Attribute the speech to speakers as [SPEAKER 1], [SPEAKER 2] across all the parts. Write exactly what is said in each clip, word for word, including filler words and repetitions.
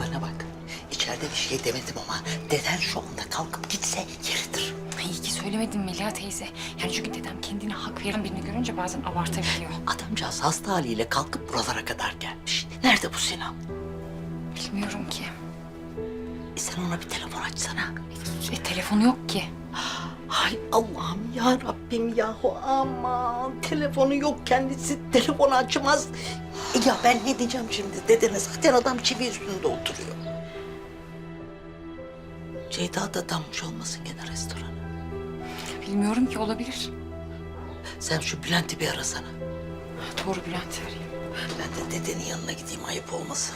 [SPEAKER 1] Bana bak. İçeride bir şey demedim ama deden şu anda kalkıp gitse yeridir.
[SPEAKER 2] Ay, iyi ki söylemedim Melia teyze. Yani çünkü dedem kendine hak veren birini görünce bazen abartabiliyor.
[SPEAKER 1] Adamcağız hasta haliyle kalkıp buralara kadar gelmiş. Nerede bu Sinan?
[SPEAKER 2] Bilmiyorum ki.
[SPEAKER 1] E sen ona bir telefon açsana.
[SPEAKER 2] E, telefonu yok ki.
[SPEAKER 1] Ay Allah'ım ya Rabbim yahu aman. Telefonu yok kendisi. Telefonu açmaz. E ya ben ne diyeceğim şimdi? Dedene zaten adam çivi üstünde oturuyor. Ceyda da dammış olmasın gene restorana.
[SPEAKER 2] Bilmiyorum ki, olabilir.
[SPEAKER 1] Sen şu Bülent'i bir arasana.
[SPEAKER 2] Doğru, Bülent'i arayayım.
[SPEAKER 1] Ben de dedenin yanına gideyim ayıp olmasın.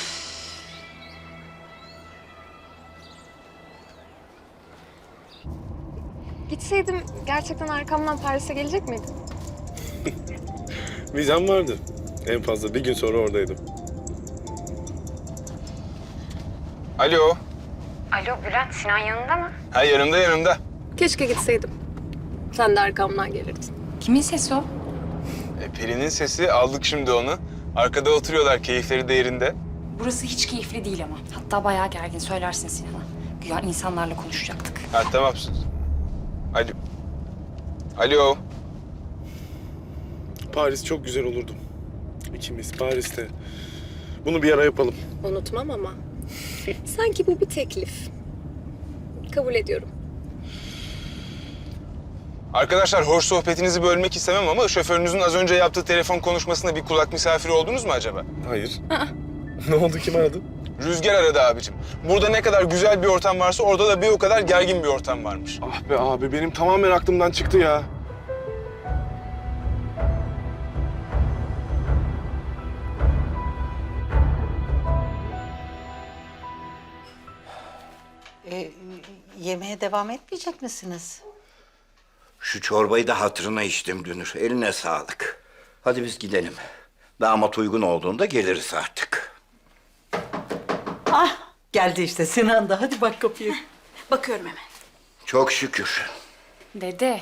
[SPEAKER 3] Gitseydim gerçekten arkamdan Paris'e gelecek miydin?
[SPEAKER 4] Vizem vardı. En fazla bir gün sonra oradaydım.
[SPEAKER 5] Alo.
[SPEAKER 2] Alo Bülent, Sinan yanında mı?
[SPEAKER 5] Ha, yanımda yanımda.
[SPEAKER 3] Keşke gitseydim. Sen de arkamdan gelirdin.
[SPEAKER 2] Kimin sesi o?
[SPEAKER 5] E, Peri'nin sesi, aldık şimdi onu. Arkada oturuyorlar, keyifleri de yerinde.
[SPEAKER 2] Burası hiç keyifli değil ama. Hatta bayağı gergin, söylersin Sinan'a. Güya insanlarla konuşacaktık.
[SPEAKER 5] Ha, tamam. Alo. Alo.
[SPEAKER 4] Paris çok güzel olurdu. İkimiz Paris'te. Bunu bir ara yapalım.
[SPEAKER 3] Unutmam ama. Sanki bu bir teklif. Kabul ediyorum.
[SPEAKER 5] Arkadaşlar, hoş sohbetinizi bölmek istemem ama şoförünüzün az önce yaptığı telefon konuşmasında bir kulak misafiri oldunuz mu acaba?
[SPEAKER 4] Hayır. Ne oldu, kim aradı?
[SPEAKER 5] Rüzgar aradı abicim. Burada ne kadar güzel bir ortam varsa orada da bir o kadar gergin bir ortam varmış.
[SPEAKER 4] Ah be abi, benim tamamen aklımdan çıktı ya.
[SPEAKER 1] E, yemeğe devam etmeyecek misiniz?
[SPEAKER 6] Şu çorbayı da hatırına içtim Dünür. Eline sağlık. Hadi biz gidelim. Damat uygun olduğunda geliriz artık.
[SPEAKER 1] Ah geldi işte Sinan da. Hadi bak kapıyı.
[SPEAKER 2] Bakıyorum hemen.
[SPEAKER 6] Çok şükür.
[SPEAKER 2] Dede.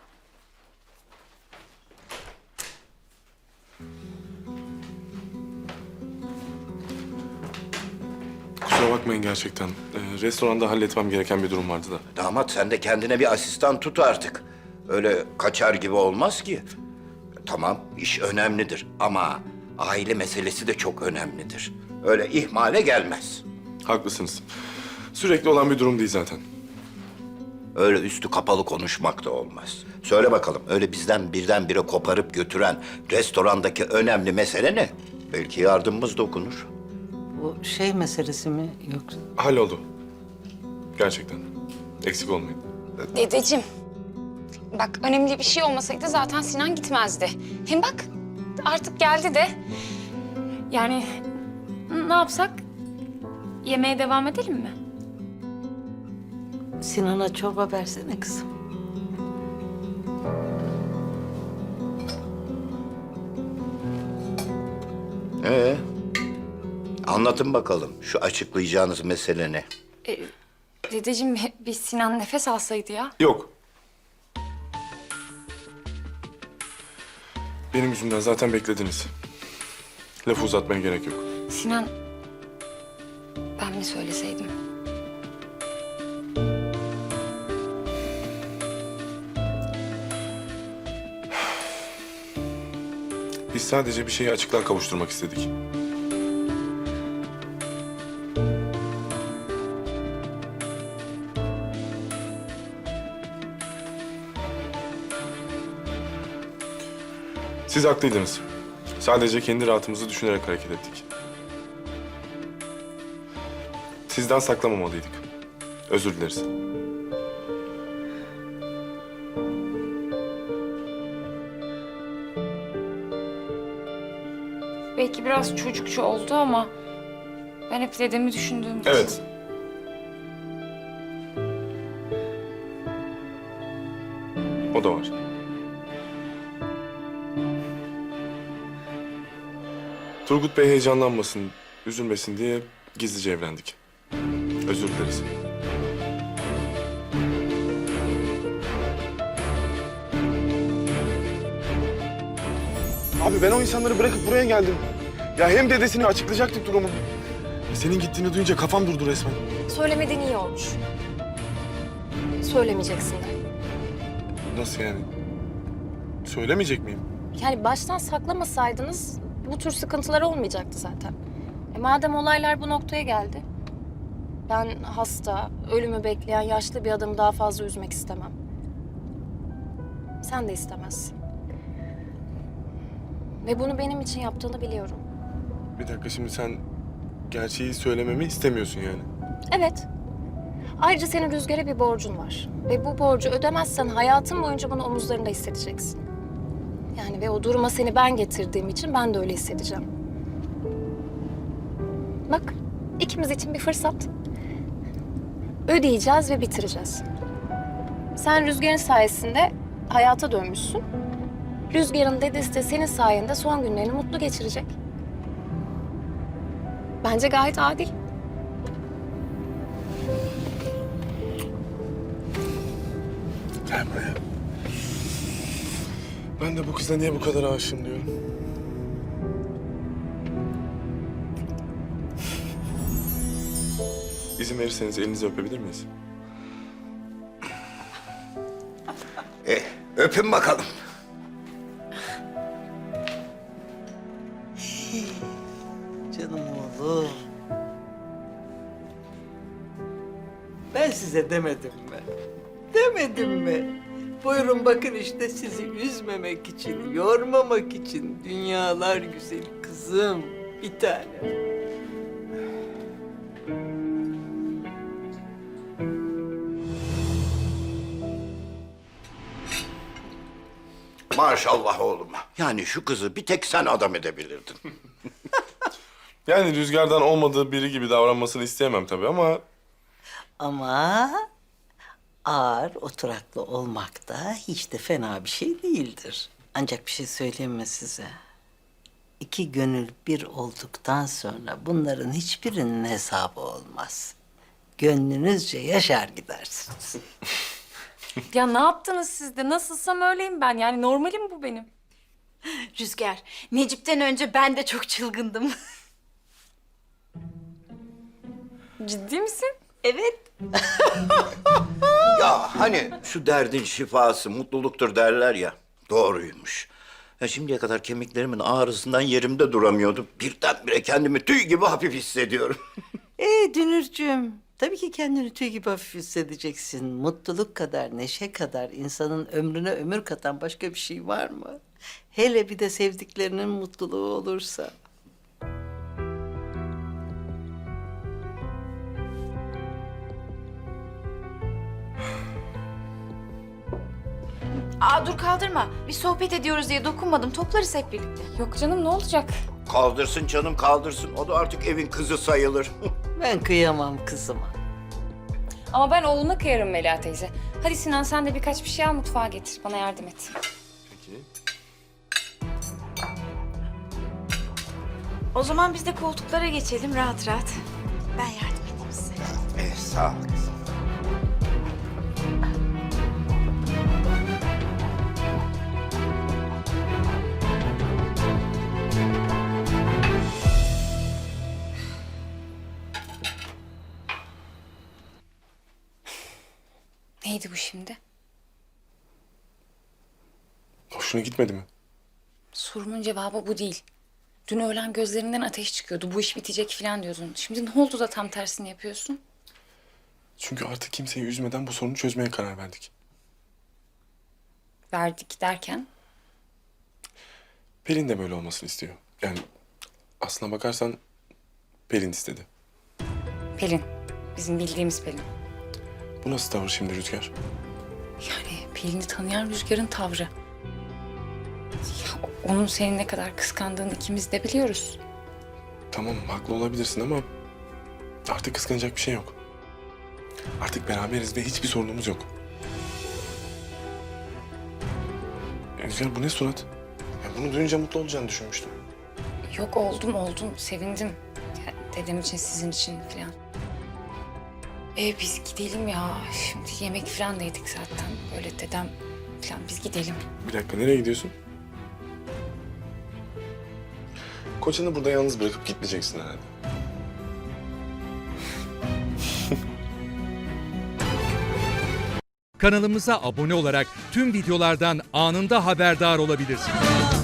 [SPEAKER 4] Kusura bakmayın gerçekten. Ee, restoranda halletmem gereken bir durum vardı da.
[SPEAKER 6] Damat sen de kendine bir asistan tut artık. Öyle kaçar gibi olmaz ki. Tamam, iş önemlidir ama aile meselesi de çok önemlidir. Öyle ihmale gelmez.
[SPEAKER 4] Haklısınız. Sürekli olan bir durum değil zaten.
[SPEAKER 6] Öyle üstü kapalı konuşmak da olmaz. Söyle bakalım, öyle bizden birdenbire koparıp götüren restorandaki önemli mesele ne? Belki yardımımız dokunur.
[SPEAKER 1] Bu şey meselesi mi yoksa?
[SPEAKER 4] Halloldu. Gerçekten. Eksik olmayın.
[SPEAKER 2] Dedeciğim. Bak, önemli bir şey olmasaydı zaten Sinan gitmezdi. Hem bak, artık geldi de. Yani ne yapsak? Yemeğe devam edelim mi?
[SPEAKER 1] Sinan'a çorba versene kızım.
[SPEAKER 6] Ee, anlatın bakalım şu açıklayacağınız mesele ne?
[SPEAKER 2] E, dedeciğim, bir Sinan nefes alsaydı ya.
[SPEAKER 4] Yok. Benim yüzümden zaten beklediniz. Lafı uzatmaya gerek yok.
[SPEAKER 2] Sinan, ben mi söyleseydim?
[SPEAKER 4] Biz sadece bir şeyi açıklığa kavuşturmak istedik. Siz haklıydınız. Sadece kendi rahatımızı düşünerek hareket ettik. Sizden saklamamalıydık. Özür dileriz.
[SPEAKER 2] Belki biraz çocukça oldu ama ben hep dedemi düşündüğüm için.
[SPEAKER 4] Evet. O da var. Turgut Bey heyecanlanmasın, üzülmesin diye gizlice evlendik. Özür dileriz. Abi ben o insanları bırakıp buraya geldim. Ya hem dedesini açıklayacaktık durumu. Senin gittiğini duyunca kafam durdu resmen.
[SPEAKER 3] Söylemediğin iyi olmuş. Söylemeyeceksin de.
[SPEAKER 4] Nasıl yani? Söylemeyecek miyim?
[SPEAKER 3] Yani baştan saklamasaydınız bu tür sıkıntılar olmayacaktı zaten. E madem olaylar bu noktaya geldi. Ben hasta, ölümü bekleyen yaşlı bir adamı daha fazla üzmek istemem. Sen de istemezsin. Ve bunu benim için yaptığını biliyorum.
[SPEAKER 4] Bir dakika, şimdi sen gerçeği söylememi istemiyorsun yani.
[SPEAKER 3] Evet. Ayrıca senin Rüzgar'a bir borcun var. Ve bu borcu ödemezsen hayatın boyunca bunu omuzlarında hissedeceksin. Yani ve o duruma seni ben getirdiğim için ben de öyle hissedeceğim. Bak, ikimiz için bir fırsat. Ödeyeceğiz ve bitireceğiz. Sen Rüzgar'ın sayesinde hayata dönmüşsün. Rüzgar'ın dedesi de senin sayende son günlerini mutlu geçirecek. Bence gayet adil.
[SPEAKER 4] Gel buraya. Ben de bu kıza niye bu kadar aşığım diyorum. İzin verirseniz elinizi öpebilir miyiz?
[SPEAKER 6] E, öpün bakalım.
[SPEAKER 1] Canım oğlum. Ben size demedim mi? Demedim mi? Buyurun bakın işte sizi üzmemek için, yormamak için dünyalar güzeli kızım. Bir tane.
[SPEAKER 6] Maşallah oğluma. Yani şu kızı bir tek sen adam edebilirdin.
[SPEAKER 4] Yani Rüzgar'dan olmadığı biri gibi davranmasını isteyemem tabii ama...
[SPEAKER 1] Ama ağır, oturaklı olmak da hiç de fena bir şey değildir. Ancak bir şey söyleyeyim mi size? İki gönül bir olduktan sonra bunların hiçbirinin hesabı olmaz. Gönlünüzce yaşar gidersiniz.
[SPEAKER 2] Ya ne yaptınız siz de? Nasılsam öyleyim ben. Yani normalim bu benim.
[SPEAKER 7] Rüzgar, Necip'ten önce ben de çok çılgındım.
[SPEAKER 2] Ciddi misin?
[SPEAKER 7] Evet.
[SPEAKER 6] Ya hani şu derdin şifası mutluluktur derler ya. Doğruymuş. Ya şimdiye kadar kemiklerimin ağrısından yerimde duramıyordum. Birdenbire kendimi tüy gibi hafif hissediyorum.
[SPEAKER 1] Ee Dünürcüğüm, tabii ki kendini tüy gibi hafif hissedeceksin. Mutluluk kadar, neşe kadar insanın ömrüne ömür katan başka bir şey var mı? Hele bir de sevdiklerinin mutluluğu olursa.
[SPEAKER 7] Aa dur kaldırma. Bir sohbet ediyoruz diye dokunmadım. Toplarız hep birlikte.
[SPEAKER 2] Yok canım ne olacak?
[SPEAKER 6] Kaldırsın canım kaldırsın. O da artık evin kızı sayılır.
[SPEAKER 1] Ben kıyamam kızıma.
[SPEAKER 2] Ama ben oğluna kıyarım Melia teyze. Hadi Sinan sen de birkaç bir şey al mutfağa getir. Bana yardım et.
[SPEAKER 4] Peki.
[SPEAKER 7] O zaman biz de koltuklara geçelim rahat rahat. Ben yardım edeyim size.
[SPEAKER 6] Eh, sağ ol kızım.
[SPEAKER 2] Neydi bu şimdi?
[SPEAKER 4] Hoşuna gitmedi mi?
[SPEAKER 2] Sorumun cevabı bu değil. Dün öğlen gözlerinden ateş çıkıyordu. Bu iş bitecek falan diyordun. Şimdi ne oldu da tam tersini yapıyorsun?
[SPEAKER 4] Çünkü artık kimseyi üzmeden bu sorunu çözmeye karar verdik.
[SPEAKER 2] Verdik derken?
[SPEAKER 4] Pelin de böyle olmasını istiyor. Yani aslına bakarsan Pelin istedi.
[SPEAKER 2] Pelin. Bizim bildiğimiz Pelin.
[SPEAKER 4] Bu nasıl tavır şimdi Rüzgar?
[SPEAKER 2] Yani Pelin'i tanıyan Rüzgar'ın tavrı. Ya, onun seni ne kadar kıskandığını ikimiz de biliyoruz.
[SPEAKER 4] Tamam haklı olabilirsin ama artık kıskanacak bir şey yok. Artık beraberiz ve hiçbir sorunumuz yok. Ya Rüzgar bu ne surat? Ya bunu duyunca mutlu olacağını düşünmüştüm.
[SPEAKER 2] Yok oldum oldum sevindim. Ya, dedem için sizin için falan. E biz gidelim ya. Şimdi yemek falan da yedik zaten. Böyle dedem falan biz gidelim.
[SPEAKER 4] Bir dakika nereye gidiyorsun? Kocanı burada yalnız bırakıp gitmeyeceksin herhalde.
[SPEAKER 8] Kanalımıza abone olarak tüm videolardan anında haberdar olabilirsiniz.